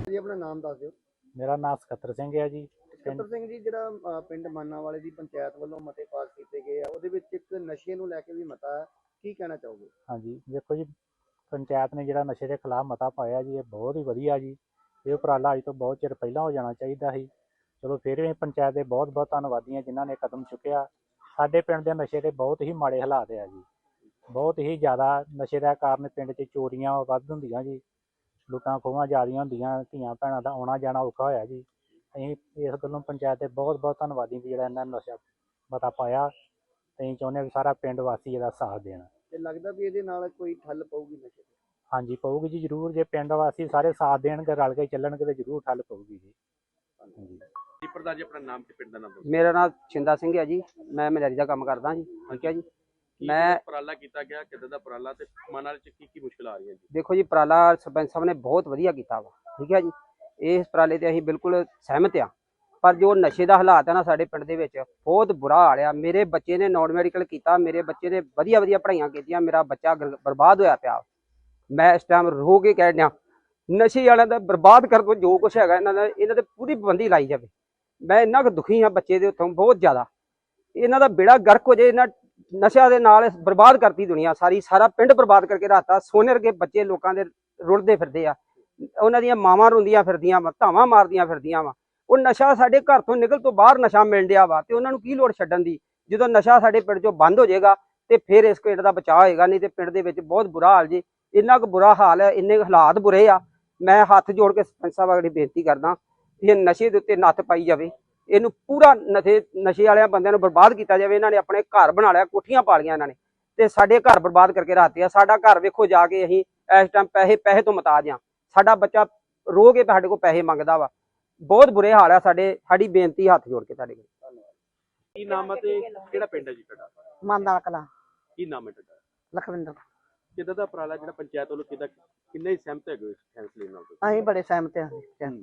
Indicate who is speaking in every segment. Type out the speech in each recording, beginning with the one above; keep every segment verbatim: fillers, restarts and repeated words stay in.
Speaker 1: ਜੀ ਆਪਣਾ ਨਾਮ ਦੱਸ ਦਿਓ।
Speaker 2: ਮੇਰਾ ਨਾਮ ਸਕੱਤਰ ਸਿੰਘ ਹੈ ਜੀ।
Speaker 1: ਸਕੱਤਰ ਸਿੰਘ ਜੀ, ਜਿਹੜਾ ਅ, ਪਿੰਡ ਮਾਨਾਂਵਾਲੇ ਦੀ ਪੰਚਾਇਤ ਵੱਲੋਂ ਮਤੇ ਪਾਸ ਕੀਤੇ ਗਏ ਆ, ਉਹਦੇ ਵਿੱਚ ਇੱਕ ਨਸ਼ੇ ਨੂੰ ਲੈ ਕੇ ਵੀ ਮਤਾ ਹੈ, ਕੀ ਕਹਿਣਾ ਚਾਹੋਗੇ?
Speaker 2: ਹਾਂਜੀ, ਦੇਖੋ ਜੀ, ਪੰਚਾਇਤ ਨੇ ਜਿਹੜਾ ਨਸ਼ੇ ਦੇ ਖਿਲਾਫ ਮਤਾ ਪਾਇਆ ਜੀ, ਇਹ ਬਹੁਤ ਹੀ ਵਧੀਆ ਜੀ। ਇਹ ਉਪਰਾਲਾ ਅੱਜ ਤੋਂ ਬਹੁਤ ਚਿਰ ਪਹਿਲਾਂ ਹੋ ਜਾਣਾ ਚਾਹੀਦਾ ਸੀ। ਚਲੋ ਫਿਰ ਵੀ ਪੰਚਾਇਤ ਦੇ ਬਹੁਤ ਬਹੁਤ ਧੰਨਵਾਦੀ ਹਾਂ ਜਿਨ੍ਹਾਂ ਨੇ ਕਦਮ ਚੁੱਕਿਆ। ਸਾਡੇ ਪਿੰਡ ਦੇ ਨਸ਼ੇ ਦੇ ਬਹੁਤ ਹੀ ਮਾੜੇ ਹਾਲਾਤ ਆ ਜੀ। ਬਹੁਤ ਹੀ ਜ਼ਿਆਦਾ ਨਸ਼ੇ ਦਾ ਕਾਰਨ ਪਿੰਡ 'ਚ ਚੋਰੀਆਂ ਵੱਧ ਹੁੰਦੀਆਂ ਜੀ, ਲੁੱਟਾਂ ਖੋਹਾਂ ਜ਼ਿਆਦੀਆਂ ਹੁੰਦੀਆਂ, ਧੀਆਂ ਭੈਣਾਂ ਦਾ ਆਉਣਾ ਜਾਣਾ ਔਖਾ ਹੋਇਆ ਜੀ। ਅਸੀਂ ਇਸ ਗੱਲੋਂ ਪੰਚਾਇਤ ਦੇ ਬਹੁਤ ਬਹੁਤ ਧੰਨਵਾਦੀ ਵੀ ਜਿਹੜਾ ਇਹਨਾਂ ਨੇ ਨਸ਼ਾ ਮਤਾ ਪਾਇਆ। ਅਸੀਂ ਚਾਹੁੰਦੇ ਹਾਂ ਵੀ ਸਾਰਾ ਪਿੰਡ ਵਾਸੀ ਇਹਦਾ ਸਾਥ ਦੇਣ।
Speaker 1: ਤੇ ਲੱਗਦਾ ਵੀ ਇਹਦੇ ਨਾਲ ਕੋਈ ਠੱਲ ਪਊਗੀ ਨਸ਼ੇ ਦੀ?
Speaker 2: ਹਾਂਜੀ, ਪਊਗੀ ਜੀ, ਜ਼ਰੂਰ। ਜੇ ਪਿੰਡ ਵਾਸੀ ਸਾਰੇ ਸਾਥ ਦੇਣਗੇ, ਰਲ ਕੇ ਚੱਲਣਗੇ ਤਾਂ ਜ਼ਰੂਰ ਠੱਲ ਪਊਗੀ ਜੀ। ਹਾਂਜੀ
Speaker 1: ਜੀ ਪ੍ਰਧਾਨ ਜੀ, ਆਪਣਾ ਨਾਮ ਤੇ ਪਿੰਡ ਦਾ ਨਾਮ ਦੱਸੋ।
Speaker 3: ਮੇਰਾ ਨਾਮ ਛਿੰਦਾ ਸਿੰਘ ਹੈ ਜੀ। ਮੈਂ ਮਲੇਰੀ ਦਾ ਕੰਮ ਕਰਦਾ ਜੀ। ਠੀਕ ਹੈ ਜੀ। ਮੈਂ
Speaker 1: ਉਪਰਾਲਾ ਕੀਤਾ ਗਿਆ, ਕਿੱਦਾਂ ਦਾ ਉਪਰਾਲਾ ਤੇ ਮਾਨਾਂਵਾਲੇ ਚ ਕੀ ਕੀ ਮੁਸ਼ਕਲ ਆ ਰਹੀਆਂ ਜੀ?
Speaker 3: ਦੇਖੋ ਜੀ, ਉਪਰਾਲਾ ਸਰਪੰਚ ਸਾਹਿਬ ਨੇ ਬਹੁਤ ਵਧੀਆ ਕੀਤਾ ਵਾ। ਠੀਕ ਹੈ ਜੀ। ਇਸ ਉਪਰਾਲੇ ਤੇ ਅਸੀਂ ਬਿਲਕੁਲ ਸਹਿਮਤ ਆ। ਪਰ ਜੋ ਨਸ਼ੇ ਦਾ ਹਾਲਾਤ ਹੈ ਨਾ ਸਾਡੇ ਪਿੰਡ ਦੇ ਵਿੱਚ, ਬਹੁਤ ਬੁਰਾ ਹਾਲ ਆ। ਮੇਰੇ ਬੱਚੇ ਨੇ ਨੌਨ ਮੈਡੀਕਲ ਕੀਤਾ, ਮੇਰੇ ਬੱਚੇ ਨੇ ਵਧੀਆ ਵਧੀਆ ਪੜ੍ਹਾਈਆਂ ਕੀਤੀਆਂ, ਮੇਰਾ ਬੱਚਾ ਬਰਬਾਦ ਹੋਇਆ ਪਿਆ। ਮੈਂ ਇਸ ਟਾਈਮ ਰੋ ਕੇ ਕਹਿ ਰਿਹਾ, ਨਸ਼ੇ ਵਾਲਿਆਂ ਦਾ ਬਰਬਾਦ ਕਰ ਦੋ ਜੋ ਕੁਛ ਹੈਗਾ ਇਹਨਾਂ ਦਾ, ਇਹਨਾਂ ਤੇ ਪੂਰੀ ਪਾਬੰਦੀ ਲਾਈ ਜਾਵੇ। ਮੈਂ ਇੰਨਾ ਕੁ ਦੁਖੀ ਹਾਂ ਬੱਚੇ ਦੇ ਉੱਥੋਂ, ਬਹੁਤ ਜ਼ਿਆਦਾ। ਇਹਨਾਂ ਦਾ ਬੇੜਾ ਗਰਕ ਹੋ ਜਾਏ। ਇਹਨਾਂ ਨਸ਼ਿਆਂ ਦੇ ਨਾਲ ਬਰਬਾਦ ਕਰਤੀ ਦੁਨੀਆ ਸਾਰੀ, ਸਾਰਾ ਪਿੰਡ ਬਰਬਾਦ ਕਰਕੇ ਰਾਤਾ। ਸੋਨੇ ਵਰਗੇ ਬੱਚੇ ਲੋਕਾਂ ਦੇ ਰੁਲਦੇ ਫਿਰਦੇ ਆ, ਉਹਨਾਂ ਦੀਆਂ ਮਾਵਾਂ ਰੋਂਦੀਆਂ ਫਿਰਦੀਆਂ ਵਾ, ਧਾਵਾਂ ਮਾਰਦੀਆਂ ਫਿਰਦੀਆਂ ਵਾ। ਉਹ ਨਸ਼ਾ ਸਾਡੇ ਘਰ ਤੋਂ ਨਿਕਲ ਤੋਂ ਬਾਹਰ ਨਸ਼ਾ ਮਿਲ ਰਿਹਾ ਵਾ, ਤੇ ਉਹਨਾਂ ਨੂੰ ਕੀ ਲੋੜ ਛੱਡਣ ਦੀ? ਜਦੋਂ ਨਸ਼ਾ ਸਾਡੇ ਪਿੰਡ ਚੋਂ ਬੰਦ ਹੋ ਜਾਏਗਾ ਤੇ ਫਿਰ ਇਸ ਪਿੰਡ ਦਾ ਬਚਾਅ ਹੋਏਗਾ। ਨਹੀਂ ਤੇ ਪਿੰਡ ਦੇ ਵਿੱਚ ਬਹੁਤ ਬੁਰਾ ਹਾਲ ਜੀ। ਇੰਨਾ ਕੁ ਬੁਰਾ ਹਾਲ ਹੈ, ਇੰਨੇ ਹਾਲਾਤ ਬੁਰੇ ਆ। ਮੈਂ ਹੱਥ ਜੋੜ ਕੇ ਸਰਪੰਚ ਸਾਹਿਬ ਅਗਲੀ ਬੇਨਤੀ ਕਰਦਾ ਕਿ ਇਹ ਨਸ਼ੇ ਦੇ ਉੱਤੇ ਨੱਥ ਪਾਈ ਜਾਵੇ। ਇਹਨੂੰ ਪੂਰਾ ਨਸ਼ੇ ਨਸ਼ੇ ਵਾਲਿਆਂ ਬੰਦਿਆਂ ਨੂੰ ਬਰਬਾਦ ਕੀਤਾ ਜਾਵੇ। ਇਹਨਾਂ ਨੇ ਆਪਣੇ ਘਰ ਬਣਾ ਲਿਆ, ਕੋਠੀਆਂ ਪਾ ਲਈਆਂ ਇਹਨਾਂ ਨੇ, ਤੇ ਸਾਡੇ ਘਰ ਬਰਬਾਦ ਕਰਕੇ ਰਾਤੇ ਆ। ਸਾਡਾ ਘਰ ਵੇਖੋ ਜਾ ਕੇ, ਅਸੀਂ ਇਸ ਟਾਈਮ ਪੈਸੇ ਪੈਸੇ ਤੋਂ ਮੁਤਾਜ ਆ। ਸਾਡਾ ਬੱਚਾ ਰੋ ਕੇ ਸਾਡੇ ਕੋਲ ਪੈਸੇ ਮੰਗਦਾ ਵਾ। ਬਹੁਤ ਬੁਰੇ ਹਾਲ ਆ ਸਾਡੇ। ਸਾਡੀ ਬੇਨਤੀ ਹੱਥ ਜੋੜ ਕੇ ਤੁਹਾਡੇ ਕੋਲ।
Speaker 1: ਧੰਨਵਾਦ। ਕੀ ਨਾਮ ਹੈ ਤੇ ਕਿਹੜਾ ਪਿੰਡ ਹੈ ਜੀ ਤੁਹਾਡਾ?
Speaker 4: ਮਾਨਾਂਵਾਲਾ ਕਲਾਂ।
Speaker 1: ਕੀ ਨਾਮ ਹੈ ਤੁਹਾਡਾ?
Speaker 4: ਲਖਵਿੰਦਰ।
Speaker 1: ਕਿੱਦਾਂ ਦਾ ਉਪਰਾਲਾ ਜਿਹੜਾ ਪੰਚਾਇਤ ਵੱਲੋਂ ਕਿੱਦਾਂ, ਕਿੰਨੇ ਹੀ ਸਹਿਮਤ ਹੈਗੇ ਇਸ ਫੈਸਲੇ ਨਾਲ?
Speaker 4: ਅਸੀਂ ਬੜੇ ਸਹਿਮਤ ਹਾਂ।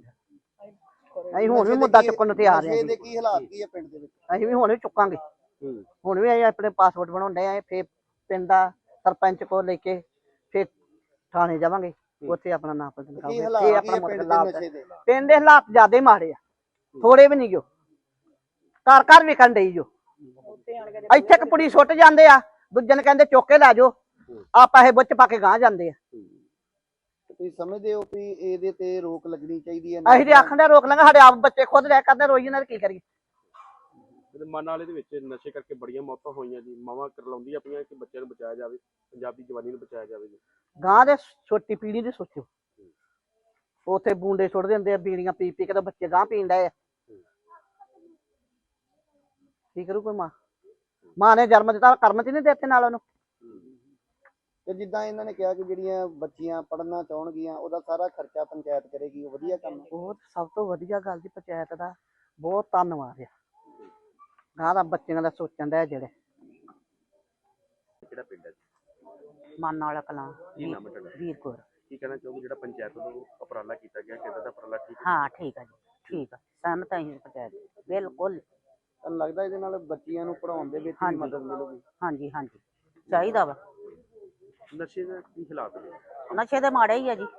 Speaker 4: ਅਸੀਂ ਹੁਣ ਵੀ ਮੁੱਦਾ ਚੁੱਕਣ ਨੂੰ ਤਿਆਰ ਹਾਂ।
Speaker 1: ਨਸ਼ੇ ਦੇ ਕੀ ਹਾਲਾਤ ਕੀ ਹੈ ਪਿੰਡ ਦੇ ਵਿੱਚ?
Speaker 4: ਅਸੀਂ ਵੀ ਹੁਣ ਵੀ ਚੁੱਕਾਂਗੇ। ਹੁਣ ਵੀ ਅਸੀਂ ਆਪਣੇ ਪਾਸਪੋਰਟ ਬਣਾਉਂਦੇ ਆ। ਫਿਰ ਪਿੰਡ ਦਾ ਸਰਪੰਚ ਕੋਲ ਲੈ ਕੇ ਫਿਰ ਥਾਣੇ ਜਾਵਾਂਗੇ, ਉੱਥੇ ਆਪਣਾ ਨਾਮ ਲਿਖਾਵਾਂਗੇ। ਇਹ ਆਪਣਾ ਮੁੱਦਾ ਪਿੰਡ ਦੇ ਹਾਲਾਤ ਜ਼ਿਆਦਾ ਹੀ ਮਾੜੇ ਆ, ਥੋੜੇ ਵੀ ਨਹੀਂ ਜੋ। ਘਰ ਘਰ ਵਿਕਣ ਡਈ ਜੋ। ਇੱਥੇ ਕਪੜੀ ਸੁੱਟ ਜਾਂਦੇ ਆ, ਦੂਜੇ ਨੇ ਕਹਿੰਦੇ ਚੁੱਕ ਕੇ ਲੈ ਜਾਓ, ਆ ਪੈਸੇ ਬੁੱਚ ਪਾ ਕੇ ਗਾਂ ਜਾਂਦੇ ਆ।
Speaker 1: ਤੁਸੀਂ ਸਮਝਦੇ ਹੋ ਵੀ ਇਹਦੇ ਤੇ ਰੋਕ ਲੱਗਣੀ ਚਾਹੀਦੀ ਹੈ?
Speaker 4: ਅਸੀਂ ਤੇ ਆਖਣ ਦੇ ਰੋਕ ਲਾਂਗੇ, ਸਾਡੇ ਆਪ ਬੱਚੇ ਖੁਦ ਰਹਿ ਕਰਦੇ ਰੋਈ ਇਹਨਾਂ ਦੇ, ਕੀ ਕਰੀਏ?
Speaker 1: ਮਾਨਾਂਵਾਲੇ ਦੇ ਵਿੱਚ ਨਸ਼ੇ ਕਰਕੇ ਬੜੀਆਂ ਮੌਤਾਂ ਹੋਈਆਂ ਜੀ। ਮਾਵਾਂ ਕਰਲਾਉਂਦੀਆਂ ਪਈਆਂ ਕਿ ਬੱਚਿਆਂ ਨੂੰ ਬਚਾਇਆ ਜਾਵੇ, ਪੰਜਾਬੀ ਜਵਾਨੀ ਨੂੰ ਬਚਾਇਆ ਜਾਵੇ ਜੀ।
Speaker 4: ਗਾਂ ਦੇ ਛੋਟੀ ਪੀੜੀ ਦੇ ਸੋਚੋ, ਉੱਥੇ ਬੂੰਡੇ ਸੁੱਟ ਦਿੰਦੇ ਆ, ਬੀੜੀਆਂ ਪੀ ਪੀ ਕੇ ਤਾਂ ਬੱਚੇ ਗਾਂ ਪੀਣ ਡਏ ਆ। ਕੀ ਕਰੂ ਕੋਈ ਮਾਂ? ਮਾਂ ਨੇ ਜਨਮ ਦਿੱਤਾ, ਕਰਮ ਚ ਨਹੀਂ ਦਿੱਤੇ ਨਾਲ ਉਹਨੂੰ।
Speaker 1: ਤੇ ਜਿੱਦਾਂ ਇਹਨਾਂ ਨੇ ਕਿਹਾ ਕਿ ਜਿਹੜੀਆਂ ਬੱਚੀਆਂ ਪੜ੍ਹਨਾ ਚਾਹਣਗੀਆਂ ਉਹਦਾ ਸਾਰਾ ਖਰਚਾ ਪੰਚਾਇਤ ਕਰੇਗੀ, ਉਹ ਵਧੀਆ ਕੰਮ ਹੈ।
Speaker 4: ਬਹੁਤ ਸਭ ਤੋਂ ਵਧੀਆ ਗੱਲ ਜੀ, ਪੰਚਾਇਤ ਦਾ ਬਹੁਤ ਧੰਨਵਾਦ ਆ। ਗਾਂ ਦਾ ਬੱਚਿਆਂ ਦਾ ਸੋਚਣ ਦਾ ਜਿਹੜੇ।
Speaker 1: ਕਿਹੜਾ ਪਿੰਡ ਹੈ?
Speaker 4: ਮਾਨਾਂਵਾਲਾ ਕਲਾਂ।
Speaker 1: ਕੀ ਨਾਮ ਹੈ ਤੁਹਾਡਾ?
Speaker 4: ਵੀਰਪੁਰ।
Speaker 1: ਕੀ ਕਹਿਣਾ ਚਾਹੋਗੇ ਜਿਹੜਾ ਪੰਚਾਇਤ ਵੱਲੋਂ ਉਪਰਾਲਾ ਕੀਤਾ ਗਿਆ, ਕਿੱਦਾਂ ਦਾ ਉਪਰਾਲਾ? ਠੀਕ ਹੈ।
Speaker 4: ਹਾਂ ਠੀਕ ਆ ਜੀ, ਠੀਕ ਆ, ਸਹਿਮਤ ਹਾਂ ਜੀ ਪੰਚਾਇਤ ਬਿਲਕੁਲ।
Speaker 1: ਤੁਹਾਨੂੰ ਲੱਗਦਾ ਇਹਦੇ ਨਾਲ ਬੱਚੀਆਂ ਨੂੰ ਪੜ੍ਹਾਉਣ ਦੇ ਵਿੱਚ ਵੀ ਮਦਦ ਮਿਲੂਗੀ?
Speaker 4: ਹਾਂਜੀ ਹਾਂਜੀ, ਚਾਹੀਦਾ ਵਾ।
Speaker 1: ਨਸ਼ੇ ਦਾ ਕੀ ਹਾਲਾਤ ਨੇ?
Speaker 4: ਨਸ਼ੇ ਦੇ ਮਾੜੇ ਹੀ ਆ ਜੀ,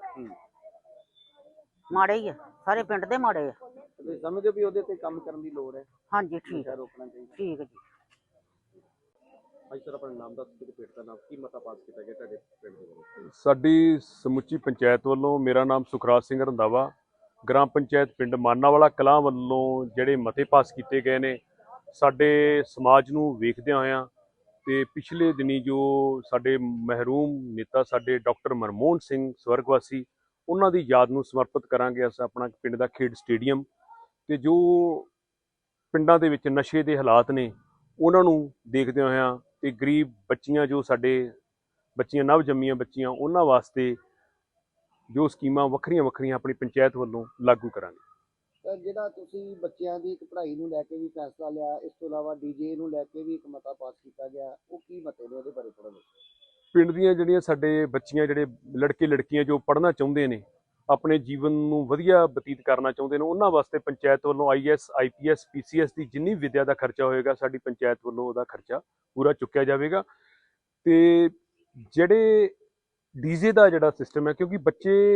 Speaker 4: ਮਾੜੇ ਹੀ ਆ, ਸਾਰੇ ਪਿੰਡ ਦੇ ਮਾੜੇ ਆ।
Speaker 1: ਤੁਸੀਂ ਸਮਝਦੇ ਹੋ ਵੀ ਉਹਦੇ ਤੇ ਕੰਮ ਕਰਨ ਦੀ ਲੋੜ ਹੈ?
Speaker 4: ਹਾਂਜੀ ਠੀਕ ਹੈ,
Speaker 1: ਰੋਕਣਾ ਚਾਹੀਦਾ।
Speaker 4: ਠੀਕ ਹੈ ਜੀ।
Speaker 1: ਹਾਂਜੀ ਸਰ, ਆਪਣਾ ਨਾਮ ਦੱਸ ਕੇ ਪਿੰਡ ਦਾ ਨਾਮ, ਕੀ ਮਤਾ ਪਾਸ ਕੀਤਾ ਗਿਆ ਤੁਹਾਡੇ ਪਿੰਡ ਦੇ ਵੱਲੋਂ?
Speaker 5: ਸਾਡੀ ਸਮੁੱਚੀ ਪੰਚਾਇਤ ਵੱਲੋਂ, ਮੇਰਾ ਨਾਮ ਸੁਖਰਾਜ ਸਿੰਘ ਰੰਧਾਵਾ, ਗ੍ਰਾਮ ਪੰਚਾਇਤ ਪਿੰਡ ਮਾਨਾਂਵਾਲਾ ਕਲਾਂ ਵੱਲੋਂ ਜਿਹੜੇ ਮਤੇ ਪਾਸ ਕੀਤੇ ਗਏ ਨੇ, ਸਾਡੇ ਸਮਾਜ ਨੂੰ ਵੇਖਦਿਆਂ ਹੋਇਆਂ ਤੇ ਪਿਛਲੇ ਦਿਨੀ ਜੋ ਸਾਡੇ ਮਹਿਰੂਮ ਨੇਤਾ ਸਾਡੇ ਡਾਕਟਰ ਮਨਮੋਹਨ ਸਿੰਘ ਸਵਰਗਵਾਸੀ, ਉਹਨਾਂ ਦੀ ਯਾਦ ਨੂੰ ਸਮਰਪਿਤ ਕਰਾਂਗੇ ਅਸੀਂ ਆਪਣਾ ਪਿੰਡ ਦਾ ਖੇਡ ਸਟੇਡੀਅਮ। ਤੇ ਜੋ ਪਿੰਡਾਂ ਦੇ ਵਿੱਚ ਨਸ਼ੇ ਦੇ ਹਾਲਾਤ ਨੇ ਉਹਨਾਂ ਨੂੰ ਦੇਖਦਿਆਂ ਹੋਇਆਂ ਤੇ ਗਰੀਬ ਬੱਚੀਆਂ, ਜੋ ਸਾਡੇ ਬੱਚੀਆਂ ਨਵ ਜੰਮੀਆਂ ਬੱਚੀਆਂ, ਉਹਨਾਂ ਵਾਸਤੇ ਜੋ ਸਕੀਮਾਂ ਵੱਖਰੀਆਂ ਵੱਖਰੀਆਂ ਆਪਣੀ ਪੰਚਾਇਤ ਵੱਲੋਂ ਲਾਗੂ ਕਰਾਂਗੇ।
Speaker 1: ਸਰ, ਜਿਹੜਾ ਤੁਸੀਂ ਬੱਚਿਆਂ ਦੀ ਇੱਕ ਪੜ੍ਹਾਈ ਨੂੰ ਲੈ ਕੇ ਵੀ ਫੈਸਲਾ ਲਿਆ, ਇਸ ਤੋਂ ਇਲਾਵਾ ਡੀਜੇ ਨੂੰ ਲੈ ਕੇ ਵੀ ਇੱਕ ਮਤਾ ਪਾਸ ਕੀਤਾ ਗਿਆ, ਉਹ ਕੀ ਮਤੇ ਨੇ, ਉਹਦੇ ਬਾਰੇ ਥੋੜ੍ਹਾ ਦੱਸੋ।
Speaker 5: ਪਿੰਡ ਦੀਆਂ ਜਿਹੜੀਆਂ ਸਾਡੇ ਬੱਚੀਆਂ, ਜਿਹੜੇ ਲੜਕੇ ਲੜਕੀਆਂ ਜੋ ਪੜ੍ਹਨਾ ਚਾਹੁੰਦੇ ਨੇ, ਆਪਣੇ ਜੀਵਨ ਨੂੰ ਵਧੀਆ ਬਤੀਤ ਕਰਨਾ ਚਾਹੁੰਦੇ ਨੇ, ਉਹਨਾਂ ਵਾਸਤੇ ਪੰਚਾਇਤ ਵੱਲੋਂ I S I P S P C S ਦੀ ਜਿੰਨੀ ਵਿੱਦਿਆ ਦਾ ਖਰਚਾ ਹੋਏਗਾ, ਸਾਡੀ ਪੰਚਾਇਤ ਵੱਲੋਂ ਉਹਦਾ ਖਰਚਾ ਪੂਰਾ ਚੁੱਕਿਆ ਜਾਵੇਗਾ। ਤੇ ਜਿਹੜੇ ਡੀਜੇ ਦਾ ਜਿਹੜਾ ਸਿਸਟਮ ਹੈ, ਕਿਉਂਕਿ ਬੱਚੇ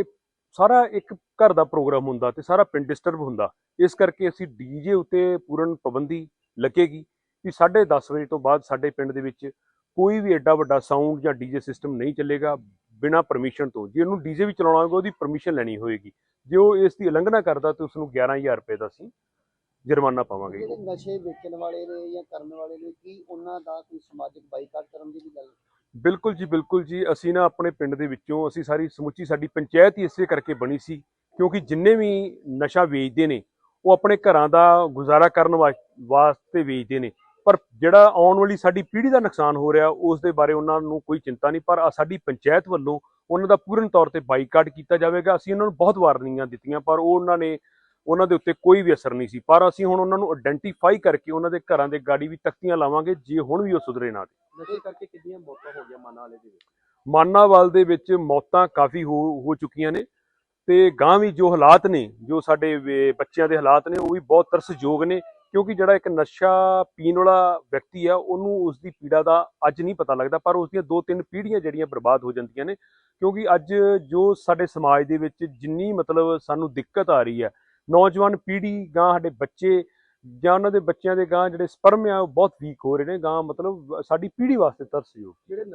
Speaker 5: ਸਾਰਾ ਇੱਕ ਘਰ ਦਾ ਪ੍ਰੋਗਰਾਮ ਹੁੰਦਾ ਤੇ ਸਾਰਾ ਪਿੰਡ ਡਿਸਟਰਬ ਹੁੰਦਾ। ਇਸ ਕਰਕੇ ਅਸੀਂ ਡੀਜੇ ਉੱਤੇ ਪੂਰਨ ਪਾਬੰਦੀ ਲੱਗੇਗੀ ਕਿ ਸਾਢੇ ਦਸ ਵਜੇ ਤੋਂ ਬਾਅਦ ਸਾਡੇ ਪਿੰਡ ਦੇ ਵਿੱਚ ਕੋਈ ਵੀ ਐਡਾ ਵੱਡਾ ਸਾਊਂਡ ਜਾਂ ਡੀਜੇ ਸਿਸਟਮ ਨਹੀਂ ਚੱਲੇਗਾ ਬਿਨਾਂ ਪਰਮਿਸ਼ਨ ਤੋਂ। ਜੇ ਉਹਨੂੰ ਡੀਜੇ ਵੀ ਚਲਾਉਣਾ ਹੋਵੇਗਾ ਉਹਦੀ ਪਰਮਿਸ਼ਨ ਲੈਣੀ ਹੋਏਗੀ। ਜੇ ਉਹ ਇਸ ਦੀ ਉਲੰਘਣਾ ਕਰਦਾ ਤਾਂ ਉਸ ਨੂੰ ਗਿਆਰਾਂ ਹਜ਼ਾਰ ਰੁਪਏ ਦਾ ਅਸੀਂ ਜੁਰਮਾਨਾ ਪਾਵਾਂਗੇ।
Speaker 1: ਜਿਹੜੇ ਨਸ਼ੇ ਵੇਚਣ ਵਾਲੇ ਨੇ ਜਾਂ ਕਰਨ ਵਾਲੇ ਨੇ, ਕੀ ਉਹਨਾਂ ਦਾ ਕੋਈ ਸਮਾਜਿਕ ਬਾਈਕਾਟ ਕਰਨ ਦੀ ਵੀ ਗੱਲ?
Speaker 5: ਬਿਲਕੁਲ ਜੀ, ਬਿਲਕੁਲ ਜੀ। ਅਸੀਂ ਨਾ ਆਪਣੇ ਪਿੰਡ ਦੇ ਵਿੱਚੋਂ ਅਸੀਂ ਸਾਰੀ ਸਮੁੱਚੀ ਸਾਡੀ ਪੰਚਾਇਤ ਹੀ ਇਸੇ ਕਰਕੇ ਬਣੀ ਸੀ ਕਿਉਂਕਿ ਜਿੰਨੇ ਵੀ ਨਸ਼ਾ ਵੇਚਦੇ ਨੇ ਉਹ ਆਪਣੇ ਘਰਾਂ ਦਾ ਗੁਜ਼ਾਰਾ ਕਰਨ ਵਾਸਤੇ ਵੇਚਦੇ ਨੇ, ਪਰ ਜਿਹੜਾ ਆਉਣ ਵਾਲੀ ਸਾਡੀ ਪੀੜ੍ਹੀ ਦਾ ਨੁਕਸਾਨ ਹੋ ਰਿਹਾ ਉਸ ਦੇ ਬਾਰੇ ਉਹਨਾਂ ਨੂੰ ਕੋਈ ਚਿੰਤਾ ਨਹੀਂ। ਪਰ ਸਾਡੀ ਪੰਚਾਇਤ ਵੱਲੋਂ ਉਹਨਾਂ ਦਾ ਪੂਰਨ ਤੌਰ ਤੇ ਬਾਈਕਾਟ ਕੀਤਾ ਜਾਵੇਗਾ। ਅਸੀਂ ਉਹਨਾਂ ਨੂੰ ਬਹੁਤ ਵਾਰਨਿੰਗਾਂ ਦਿੱਤੀਆਂ ਪਰ ਉਹ ਉਹਨਾਂ ਨੇ ਉਹਨਾਂ ਦੇ ਉੱਤੇ ਕੋਈ ਵੀ ਅਸਰ ਨਹੀਂ ਸੀ। ਪਰ ਅਸੀਂ ਹੁਣ ਉਹਨਾਂ ਨੂੰ ਆਇਡੈਂਟੀਫਾਈ ਕਰਕੇ ਉਹਨਾਂ ਦੇ ਘਰਾਂ ਦੇ ਗਾੜੀ ਵੀ ਤਖਤੀਆਂ ਲਾਵਾਂਗੇ ਜੇ ਹੁਣ ਵੀ ਉਹ ਸੁਧਰੇ ਨਾ।
Speaker 6: ਨਸ਼ੇ ਕਰਕੇ ਕਿੰਨੀਆਂ ਮੌਤਾਂ ਹੋ ਗਈਆਂ ਮਾਨਾ ਵਾਲੇ ਦੇ ਵਿੱਚ?
Speaker 5: ਮਾਨਾਵਾਲ ਦੇ ਵਿੱਚ ਮੌਤਾਂ ਕਾਫੀ ਹੋ ਹੋ ਚੁੱਕੀਆਂ ਨੇ ਤੇ ਗਾਂ ਵੀ ਜੋ ਹਾਲਾਤ ਨੇ, ਜੋ ਸਾਡੇ ਵੇ- ਬੱਚਿਆਂ ਦੇ ਹਾਲਾਤ ਨੇ ਉਹ ਵੀ ਬਹੁਤ ਤਰਸਯੋਗ ਨੇ ਕਿਉਂਕਿ ਜਿਹੜਾ ਇੱਕ ਨਸ਼ਾ ਪੀਣ ਵਾਲਾ ਵਿਅਕਤੀ ਆ ਉਹਨੂੰ ਉਸ ਦੀ ਪੀੜਾ ਦਾ ਅੱਜ ਨਹੀਂ ਪਤਾ ਲੱਗਦਾ ਪਰ ਉਸ ਦੀਆਂ ਦੋ ਤਿੰਨ ਪੀੜ੍ਹੀਆਂ ਜਿਹੜੀਆਂ ਬਰਬਾਦ ਹੋ ਜਾਂਦੀਆਂ ਨੇ ਕਿਉਂਕਿ ਅੱਜ ਜੋ ਸਾਡੇ ਸਮਾਜ ਦੇ ਵਿੱਚ ਜਿੰਨੀ ਮਤਲਬ ਸਾਨੂੰ ਦਿੱਕਤ ਆ ਰਹੀ ਹੈ, ਨੌਜਵਾਨ ਪੀੜ੍ਹੀ ਗਾਂ ਸਾਡੇ ਬੱਚੇ ਜਾਂ ਉਹਨਾਂ ਦੇ ਬੱਚਿਆਂ ਦੇ ਗਾਂ ਜਿਹੜੇ ਸਪਰਮ ਆ ਉਹ ਬਹੁਤ ਵੀਕ ਹੋ ਰਹੇ ਨੇ। ਗਾਂ ਮਤਲਬ ਸਾਡੀ ਪੀੜ੍ਹੀ ਵਾਸਤੇ ਤਰਸਯੋਗ।
Speaker 6: ਜਿਹੜੇ